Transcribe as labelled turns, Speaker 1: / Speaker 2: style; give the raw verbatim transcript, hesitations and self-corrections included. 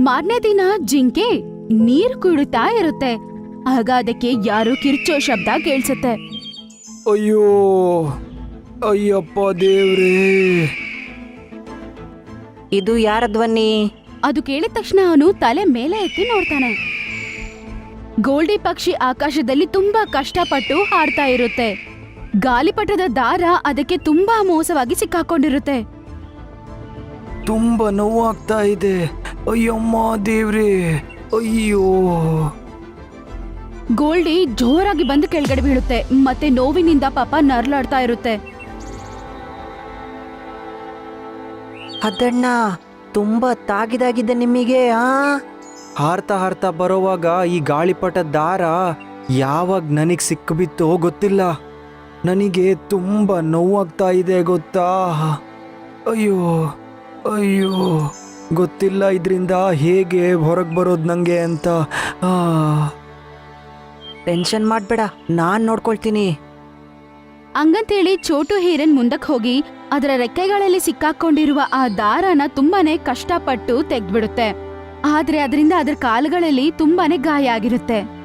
Speaker 1: ಮಾರನೇ ದಿನ ಜಿಂಕೆ ನೀರ್ ಕುಡಿತಾ ಇರುತ್ತೆ. ಆಗ ಅದಕ್ಕೆ ಯಾರೋ ಕಿರ್ಚೋ ಶಬ್ದ ಕೇಳಿಸುತ್ತೆ.
Speaker 2: ಅಯ್ಯೋ ಅಯ್ಯಪ್ಪ ದೇವ್ರೇ,
Speaker 3: ಇದು ಯಾರ ಧ್ವನಿ?
Speaker 1: ಅದು ಕೇಳಿದ ತಕ್ಷಣ ಅವನು ತಲೆ ಮೇಲೆ ಎತ್ತಿ ನೋಡ್ತಾನೆ. ಗೋಲ್ಡಿ ಪಕ್ಷಿ ಆಕಾಶದಲ್ಲಿ ತುಂಬಾ ಕಷ್ಟಪಟ್ಟು ಹಾಡ್ತಾ ಇರುತ್ತೆ. ಗಾಲಿಪಟದ ದಾರ ಅದಕ್ಕೆ ತುಂಬಾ ಮೋಸವಾಗಿ ಸಿಕ್ಕಾಕೊಂಡಿರುತ್ತೆ.
Speaker 2: ತುಂಬಾ ನೋವಾಗ್ತಾ ಇದೆ. ಅಯ್ಯಮ್ಮ ದೇವ್ರೇ, ಅಯ್ಯೋ.
Speaker 1: ಗೋಲ್ಡಿ ಜೋರಾಗಿ ಬಂದು ಕೆಳಗಡೆ ಬೀಳುತ್ತೆ. ಮತ್ತೆ ನೋವಿನಿಂದ ಪಾಪ ನರ್ಲಾಡ್ತಾ ಇರುತ್ತೆ.
Speaker 3: ಅದಣ್ಣ, ತುಂಬಾ ತಾಗಿದಾಗಿದೆ ನಿಮಗೆ. ಆ
Speaker 2: ಹಾರ್ತಾ ಹಾರ್ತಾ ಬರೋವಾಗ ಈ ಗಾಳಿಪಟ ದಾರ ಯಾವಾಗ ನನಗೆ ಸಿಕ್ಕಿಬಿತ್ತೋ ಗೊತ್ತಿಲ್ಲ. ನನಗೆ ತುಂಬ ನೋವಾಗ್ತಾ ಇದೆ ಗೊತ್ತಾ. ಅಯ್ಯೋ ಅಯ್ಯೋ, ಗೊತ್ತಿಲ್ಲ ಇದರಿಂದ ಹೇಗೆ ಹೊರಗೆ ಬರೋದು ನನಗೆ ಅಂತ. ಆ
Speaker 3: ಟೆನ್ಷನ್ ಮಾಡ್ಬೇಡ, ನಾನ್ ನೋಡ್ಕೊಳ್ತೀನಿ.
Speaker 1: ಹಂಗಂತೇಳಿ ಚೋಟು ಹೀರನ್ ಮುಂದಕ್ಕೆ ಹೋಗಿ ಅದರ ರೆಕ್ಕೆಗಳಲ್ಲಿ ಸಿಕ್ಕಾಕೊಂಡಿರುವ ಆ ದಾರನ ತುಂಬಾನೇ ಕಷ್ಟಪಟ್ಟು ತೆಗ್ದ್ಬಿಡುತ್ತೆ. ಆದ್ರೆ ಅದರಿಂದ ಅದರ ಕಾಲುಗಳಲ್ಲಿ ತುಂಬಾನೇ ಗಾಯ ಆಗಿರುತ್ತೆ.